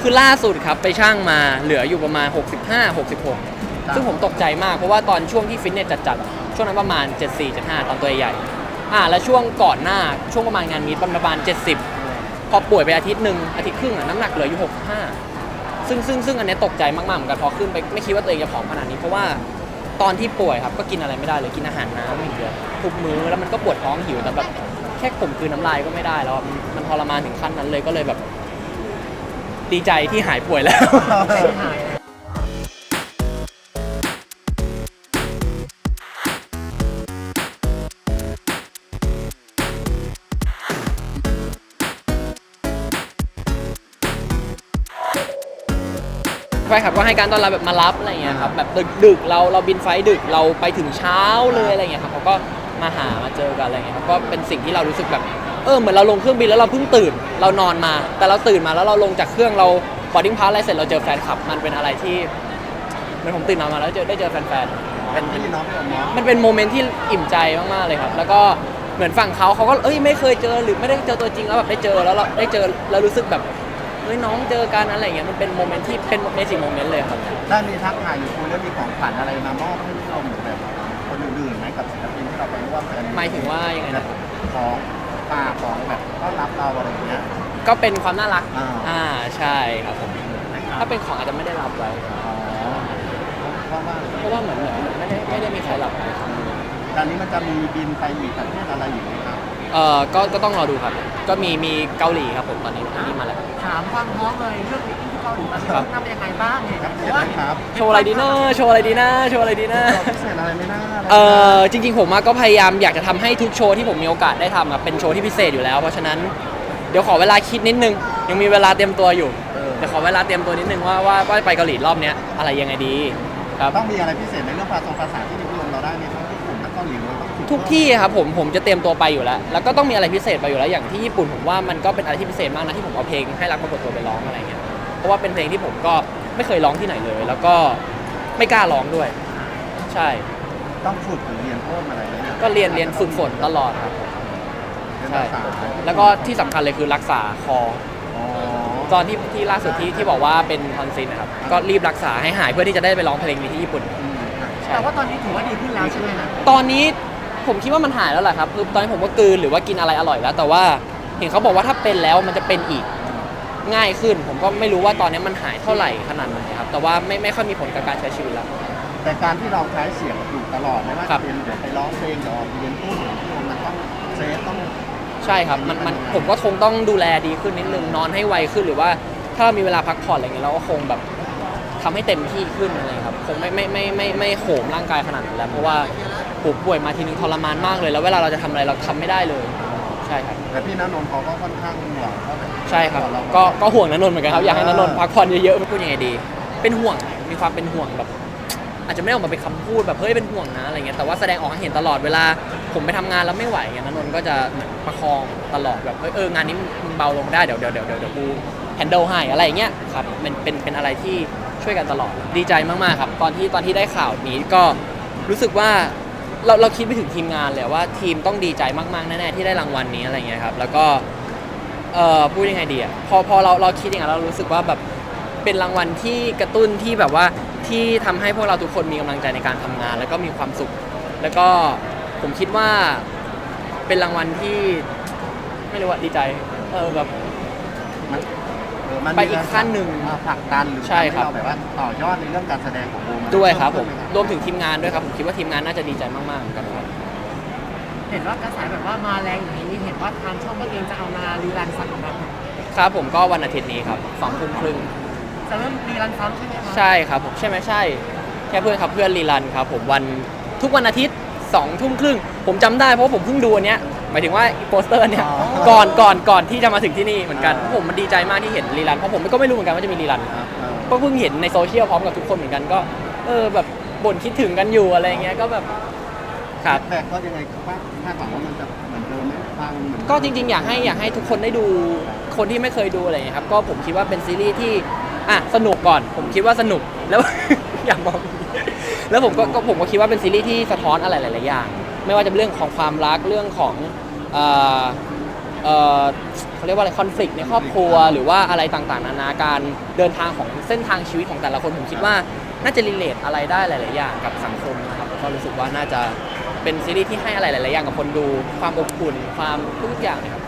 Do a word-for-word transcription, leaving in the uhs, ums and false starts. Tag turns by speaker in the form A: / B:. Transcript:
A: คือล่าสุดครับไปชั่งมาเหลืออยู่ประมาณหกสิบห้า หกสิบหกซึ่งผมตกใจมากเพราะว่าตอนช่วงที่ฟิตเนสจัดๆช่วงนั้นประมาณเจ็ดสิบสี่ เจ็ดสิบห้าตอนตัวใหญ่อ่าแล้วช่วงก่อนหน้าช่วงประมาณงานมีตประมาณเจ็ดสิบพอป่วยไปอาทิตย์หนึ่งอาทิตย์ครึ่งอะน้ำหนักเหลืออยู่หกสิบห้าซึ่งซึ่งซึ่งอันนี้ตกใจมากๆเหมือนกันพอขึ้นไปไม่คิดว่าตัวเองจะผอมขนาดนี้เพราะว่าตอนที่ป่วยครับก็กินอะไรไม่ได้เลยกินอาหารน้ำอย่างเดียวทุกมื้อแล้วมันก็ปวดท้องหิวแต่แบบแค่ข่มคืนน้ำลายก็ไม่ได้แล้วมันทรมานถึงขั้นนั้นเลยก็เลยแบบดีใจที่หายป่วยแล้วแฟนคลับก็ให้การต้อนรับแบบมารับอะไรเงี้ยครับแบบดึกๆเราเราบินไฟดึกเราไปถึงเช้าเลยอะไรเงี้ยครับเขาก็มาหามาเจอกันอะไรเงี้ยครับก็เป็นสิ่งที่เรารู้สึกแบบเออเหมือนเราลงเครื่องบินแล้วเราเพิ่งตื่นเรานอนมาแต่เราตื่นมาแล้วเราลงจากเครื่องเราบอร์ดิ้งพาสอะไรเสร็จเราเจอแฟนคลับมันเป็นอะไรที่เหมือนผมตื่นนอนมาแล้วเจอได้เจอแฟนๆเป็นมันเป็นโมเมนต์ที่อิ่มใจมากๆเลยครับแล้วก็เหมือนฝั่งเขาเขาก็เอ้ยไม่เคยเจอหรือไม่ได้เจอตัวจริงแล้วแบบได้เจอแล้วเราได้เจอแล้วรู้สึกแบบเฮ้ยน้องเจอกันอะไรเงี้ยมันเป็นโมเมนต์ที่เป็นเมจิกโมเมนต์เลยครับ
B: ได้มีทักทายหรือคุยแล้วมีของขวัญอะไรมามอบให้เราหรือแบบคนอื่นๆไหมกับศิลปินที่เราไปร่วมกัน
A: หมายถึงว่ายังไงนะ
B: ของปาของแบบต้อนรับเราอะไรอย่างเงี้ย
A: ก็เป็นความน่ารัก
B: อ่า
A: ใช่ครับผมถ้าเป็นของอาจจะไม่ได้รับไว้
B: อ๋อเพราะว่า
A: เพราะว่าเหมือนเหมือนไม่ได้ไม่ได้มีใครรับ
B: ตอนนี้มันจะมีบินไปอีกประเทศอะไรอยู่ไหมครับ
A: เอ่อก็ก็ต้องรอดูครับก็มีมีเกาหลีครับผมตอนนี้ตอนนี้มาแล้ว
C: ถามความพร้อมเลยเรื่องนี้ที่เกาหลีตอนนี้ทำยังไงบ้างเนี่ยเพราะว่า
A: โชว์อะไรดีนะโชว์อะไรดีนะโชว์อะไรดีนะ
B: พิเศษอะไรไม่น่า
A: เอ่อจริงๆผมก็พยายามอยากจะทำให้ทุกโชว์ที่ผมมีโอกาสได้ทำเป็นโชว์ที่พิเศษอยู่แล้วเพราะฉะนั้นเดี๋ยวขอเวลาคิดนิดนึงยังมีเวลาเตรียมตัวอยู่เดี๋ยวขอเวลาเตรียมตัวนิดนึงว่าว่าว่าไปเกาหลีรอบนี้อะไรยังไงดี
B: ครับต้องมีอะไรพิเศษในเรื่องภาษาภาษาที่นิยมเราได้ในทั้งญี่ปุ่นและเกาหลีเลย
A: ทุกที่ครับผมผมจะเตรียมตัวไปอยู่แล้วแล้วก็ต้องมีอะไรพิเศษไปอยู่แล้วอย่างที่ญี่ปุ่นผมว่ามันก็เป็นอะไรที่พิเศษมากนะที่ผมเอาเพลงให้รักปรากฏตัวไปร้องอะไรเงี้ยเพราะว่าเป็นเพลงที่ผมก็ไม่เคยร้องที่ไหนเลยแล้วก็ไม่กล้าร้องด้วยใช่
B: ต้องฝึกหรือเรียนเพิ่มอะไรไหม
A: ก็เรียนเรียนฝึกฝนตลอดครับใช่แล้วก็ที่สำคัญเลยคือรักษาคอตอนที่ที่ล่าสุดที่ที่บอกว่าเป็นทอนซิลนะครับก็รีบรักษาให้หายเพื่อที่จะได้ไปร้องเพลงนี้ที่ญี่ปุ่น
C: แต่ว่าตอนนี้ถือว่าดีขึ้นแล้วใช่ไหมนะ
A: ตอนนี้ผมคิดว่ามันหายแล้วแหละครับคือตอนนี้ผมก็กลืนหรือว่ากินอะไรอร่อยแล้วแต่ว่าเห็นเขาบอกว่าถ้าเป็นแล้วมันจะเป็นอีกง่ายขึ้นผมก็ไม่รู้ว่าตอนนี้มันหายเท่าไหร่ขนาดไหนครับแต่ว่าไม่ไม่ค่อยมีผลกับการใช้ชีวิตแล้ว
B: แต่การที่เราใช้เสียงอยู่ตลอดไม่ว่าจะเป็นเดี๋ยวไปร้องเพลงเดี๋ยวเรียนพูดมันต้องเซฟต้อง
A: ใช่ครับมันมันผมก็คงต้องดูแลดีขึ้นนิดนึงนอนให้ไวขึ้นหรือว่าถ้าเรามีเวลาพักผ่อนอะไรเงี้ยเราก็คงแบบทำให้เต็มที่ขึ้นอะไรครับคงไม่ไม่ไม่ไม่ไม่โหมร่างกายขนาดนั้นแล้วเพราะว่าป่วยมาทีนึงทรมานมากเลยแล้วเวลาเราจะทำอะไรเราทำไม่ได้เลยใช่ครับ
B: แต่พี่ณนนท์เขาก็ค่อนข้างห่วงเขาแบบ
A: ใช่ครับก็ก็ห่วงณนนท์เหมือนกันครับอยากให้ณนนท์พักผ่อนเยอะๆพูดยังไงดีเป็นห่วงมีความเป็นห่วงแบบอาจจะไม่ออกมาเป็นคำพูดแบบเฮ้ยเป็นห่วงนะอะไรเงี้ยแต่ว่าแสดงออกให้เห็นตลอดเวลาผมไปทำงานแล้วไม่ไหวเงี้ยณนนท์ก็จะเหมือนประคองตลอดแบบเฮ้ยเอองานนี้มึงเบาลงได้เดี๋ยวเดี๋ยวเดี๋ยวเดี๋ยวกูแฮนเดิลให้อะไรเงี้ยครับเป็นเป็นเป็นอะไรที่ช่วยกันตลอดดีใจมากๆครับตอนที่ตอนที่ได้ข่าวนี้ก็รู้สึกว่าเราเราคิดไปถึงทีมงานเลยว่าทีมต้องดีใจมากๆแน่ๆที่ได้รางวัลนี้อะไรเงี้ยครับแล้วก็เอ่อพูดยังไงดีอ่ะพอพอเราเราคิดอย่างนั้นเรารู้สึกว่าแบบเป็นรางวัลที่กระตุ้นที่แบบว่าที่ทำให้พวกเราทุกคนมีกำลังใจในการทำงานแล้วก็มีความสุขแล้วก็ผมคิดว่าเป็นรางวัลที่ไม่รู้ว่าดีใจเออแบบไปอีกขั้นหนึ่ง
B: ผลักดันหรือ
A: ใช่ครับ
B: เราแบบว่าต่อยอดในเรื่องการแสดงของวง
A: ด้วยครับผมรวมถึงทีมงานด้วยครับผมคิดว่าทีมงานน่าจะดีใจมากๆเหมือนกันครับ
C: เห็นว่ากระแสแบบว่ามาแรงอย่างนี้เห็นว่าทางช่องก็เองจะเอามารีรันซ้ำครับ
A: ครับผมก็วันอาทิตย์นี้ครับสองทุ่มครึ่ง
C: จะเริ่มรีรันซ้ำใช่ไหมครับ
A: ใช่ครับผมใช่ไหมใช่แค่เพื่อนครับเพื่อนรีรันครับผมวันทุกวันอาทิตย์สองทุ่มครึ่งผมจำได้เพราะผมเพิ่งดูอันเนี้ยหมายถึงว่าโปสเตอร์เนี่ยก่อนก่อนก่อนที่จะมาถึงที่นี่เหมือนกันผมมันดีใจมากที่เห็นรีรันเพราะผมก็ไม่รู้เหมือนกันว่าจะมีรีรันก็เพิ่งเห็นในโซเชียลพร้อมกับทุกคนเหมือนกันก็เออแบบบ่นคิดถึงกันอยู่อะไรเงี้ยก็แบบครับ
B: แต่ก็ยังไงว่าคาดหวังว่ามันจะเหมือนเดิมไหมฟัง
A: ก็จริงๆอยากให้อยากให้ทุกคนได้ดูคนที่ไม่เคยดูอะไรเงี้ยครับก็ผมคิดว่าเป็นซีรีส์ที่อ่ะสนุกก่อนผมคิดว่าสนุกแล้ว อยากบอกแล้วผมก็ผมก็คิดว่าเป็นซีรีส์ที่สะท้อนอะไรหลายๆอย่างไม่ว่าจะเป็นเรื่องของความรักเรื่องของเอ่อเอ่อเขาเรียกว่าอะไรคอน ฟลิกต์ ในครอบครัวหรือว่าอะไรต่างๆนานาการเดินทางของเส้นทางชีวิตของแต่ละคนผมคิดว่าน่าจะรีเลทอะไรได้หลายๆอย่างกับสังคมนะครับแล้วก็รู้สึกว่าน่าจะเป็นซีรีส์ที่ให้อะไรหลายๆอย่างกับคนดูความอบอุ่นความทุกอย่างนะครับ